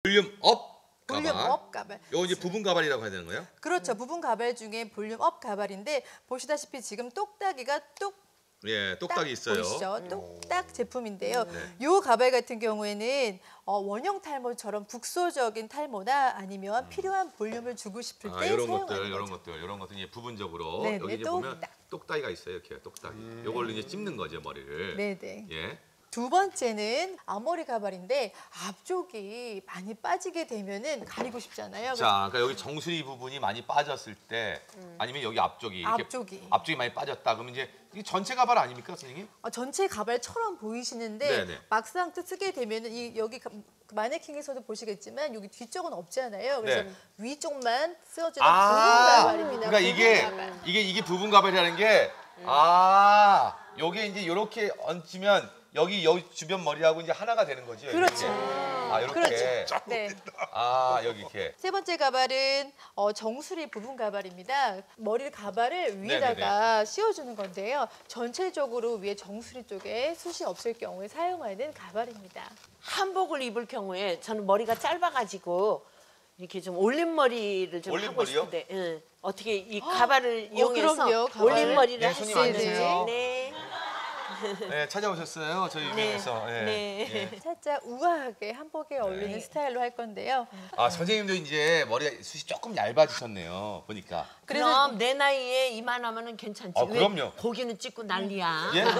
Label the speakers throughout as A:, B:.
A: 볼륨 업 가발.
B: 볼륨 업 가발.
A: 요거 이제 부분 가발이라고 해야 되는 거예요?
B: 그렇죠. 부분 가발 중에 볼륨 업 가발인데 보시다시피 지금 똑딱이가
A: 예, 똑딱이 있어요.
B: 보이시죠? 똑딱 제품인데요. 요 가발 같은 경우에는 원형 탈모처럼 국소적인 탈모나 아니면 필요한 볼륨을 주고 싶을 때
A: 이런
B: 사용하는
A: 것들, 이런 것들 이제 부분적으로
B: 네네,
A: 여기 이제 보면 똑딱이가 있어요. 이렇게 똑딱이. 요걸로 이제 찝는 거죠, 머리를.
B: 네네.
A: 예.
B: 두 번째는 앞머리 가발인데 앞쪽이 많이 빠지게 되면은 가리고 싶잖아요.
A: 자, 그러니까 여기 정수리 부분이 많이 빠졌을 때 아니면 여기 앞쪽이 이렇게 앞쪽이 많이 빠졌다. 그러면 이제 이게 전체 가발 아닙니까, 선생님?
B: 전체 가발처럼 보이시는데
A: 네네.
B: 막상 쓰게 되면은 여기 마네킹에서도 보시겠지만 여기 뒤쪽은 없잖아요. 그래서
A: 네.
B: 위쪽만 쓰여지는 부분 가발입니다.
A: 그러니까
B: 부분 가발.
A: 이게 부분 가발이라는 게 여기 이제 이렇게 얹으면 여기 주변 머리하고 이제 하나가 되는 거죠.
B: 그렇죠.
A: 이렇게.
B: 그렇죠. 네.
A: 여기 이렇게.
B: 세 번째 가발은 정수리 부분 가발입니다. 머리 가발을 위에다가 씌워주는 건데요. 전체적으로 위에 정수리 쪽에 숱이 없을 경우에 사용하는 가발입니다.
C: 한복을 입을 경우에 저는 머리가 짧아가지고 이렇게 좀 올림머리를 좀 하고 싶은데 어떻게 이 가발을 이용해서
B: 그럼요, 가발.
C: 올림머리를 할
A: 손님
C: 수 있는지.
A: 앉으세요.
C: 네.
A: 네, 찾아오셨어요. 저희 유명해서.
C: 네.
B: 살짝 우아하게 한복에 어울리는 스타일로 할 건데요.
A: 선생님도 이제 머리가 숱이 조금 얇아지셨네요. 보니까.
C: 그럼 내 나이에 이만하면은 괜찮지.
A: 그럼요.
C: 고기는 찍고 난리야.
A: 예?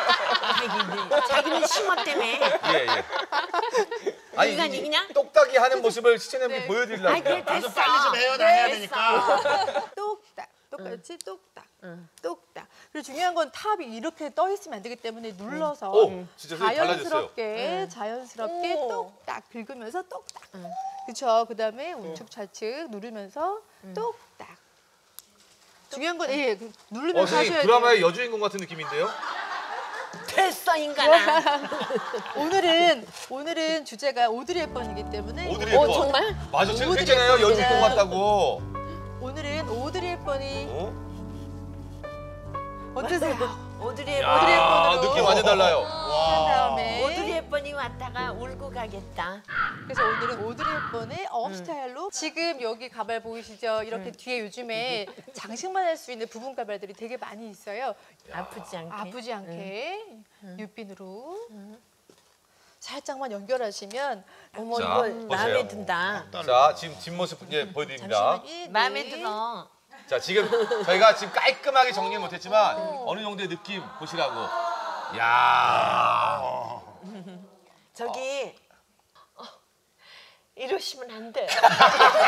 C: 자기는 심어 때문에.
A: 예.
C: 인간이 그냥?
A: 똑딱이 하는 모습을 시청자분께 보여드리려고.
C: 아이, 그래, 됐어.
D: 빨리 좀 해요. 나 해야 되니까.
B: 똑딱. 똑같이 똑딱. 똑딱. 그리고 중요한 건 탑이 이렇게 떠 있으면 안 되기 때문에 눌러서
A: 진짜 달라졌어요.
B: 자연스럽게 똑딱 긁으면서 똑딱. 그렇죠. 그다음에 우측 좌측 누르면서 똑딱. 중요한 건 누르면서
A: 선생님
B: 하셔야 돼요.
A: 드라마의 여주인공 같은 느낌인데요?
C: 됐어 인간아.
B: 오늘은 주제가 오드리 헵번이기 때문에
A: 오드리 헵번.
C: 정말?
A: 맞아, 제가
B: 오드리
A: 그랬잖아요.
B: 헵번이랑
A: 여주인공 같다고.
B: 오늘은 오드리 헵번이 어떠세요?
C: 오드리
B: 헵번으로
A: 느낌 완전 달라요.
B: 한 다음에
C: 오드리 헵번이 왔다가 울고 가겠다.
B: 그래서 오늘은 오드리 헵번의 업 스타일로 지금 여기 가발 보이시죠? 이렇게 뒤에 요즘에 장식만 할 수 있는 부분 가발들이 되게 많이 있어요.
C: 아프지 않게.
B: 육빈으로 살짝만 연결하시면
C: 어머
A: 자,
C: 이거
A: 보세요.
C: 마음에 든다.
A: 자, 지금 뒷모습 이제 보여드립니다.
C: 마음에 들어.
A: 자, 지금 저희가 지금 깔끔하게 정리 못했지만 어느 정도의 느낌 보시라고.
C: 저기 이러시면 안 돼.